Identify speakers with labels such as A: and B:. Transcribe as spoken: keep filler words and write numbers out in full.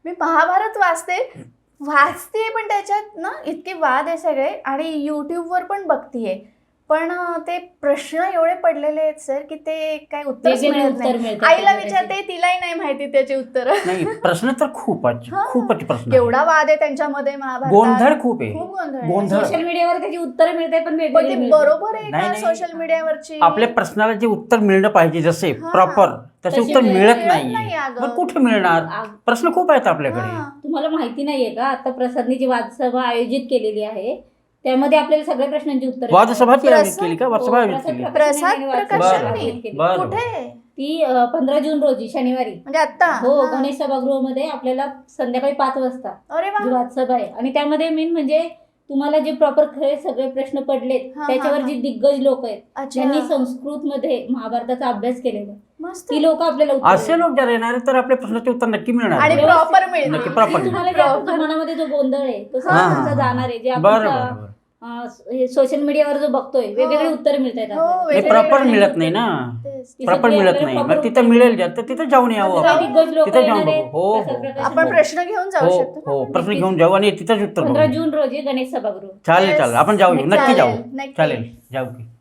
A: मी महाभारत वाचते वाचते पण त्याच्यात ना इतके वाद आहे सगळे आणि युट्यूबवर पण बघतीये पण ते प्रश्न एवढे पडलेले आहेत सर की ते काय उत्तरच मिळत नाही. आईला विचारते तिलाही नाही माहिती त्याचे उत्तर.
B: नाही प्रश्न तर खूपच खूपच प्रश्न
A: केवढा वाद आहे त्यांच्यामध्ये महाभारतात.
B: गोंधळ खूप आहे.
A: खूप गोंधळ
B: गोंधळ
C: सोशल मीडियावर त्याची उत्तर मिळते पण
A: पण ती बरोबर आहे का सोशल मीडियावरची.
B: आपल्या प्रश्नाला जे उत्तर मिळणं पाहिजे जसे प्रॉपर तसे उत्तर मिळत नाही. मग कुठे मिळणार. प्रश्न खूप आहेत आपल्याकडे.
C: तुम्हाला माहिती नाहीये का आता प्रसादनी जी वादसभा आयोजित केलेली आहे त्यामध्ये आपल्याला सगळ्या प्रश्नांची उत्तर
B: वादसभा केली का वादसभा आयोजित केली.
A: प्रसाद प्रकाशननी
B: बरं.
A: कुठे
C: ती पंधरा जून रोजी शनिवारी
A: म्हणजे आता
C: हो गणेश सभागृहामध्ये आपल्याला संध्याकाळी पाच वाजता
A: अरे वा
C: जी वादसभा आहे आणि त्यामध्ये मेन म्हणजे तुम्हाला जे प्रॉपर खरे सगळे प्रश्न पडलेत त्याच्यावर जी दिग्गज लोक आहेत ज्यांनी संस्कृत मध्ये महाभारताचा अभ्यास केलेला ती लोक आपल्याला
B: असे लोक जर येणार तर आपल्या प्रश्नाचे उत्तर नक्की मिळणार
A: आणि प्रॉपर मिळणार.
B: नक्की प्रॉपर
C: तुम्हाला मनामध्ये जो गोंधळ आहे तो सगळा जाणार आहे जे आपण सोशल मीडियावर जो बघतोय वेगवेगळे उत्तर मिळत आहेत
B: प्रॉपर मिळत नाही ना. प्रॉपर मिळत नाही मग तिथं मिळेल तर तिथं जाऊन यावं आपण. तिथं जाऊन बघू. हो
A: आपण प्रश्न घेऊन जाऊ
B: हो
A: शकतो.
B: हो प्रश्न घेऊन जाऊ आणि तिथंच उत्तर
C: पंधरा
B: बघू.
C: जून रोजी गणेश सभागृह
B: चालेल चालेल आपण जाऊ नक्की जाऊ
A: नक्की.
B: चालेल जाऊ की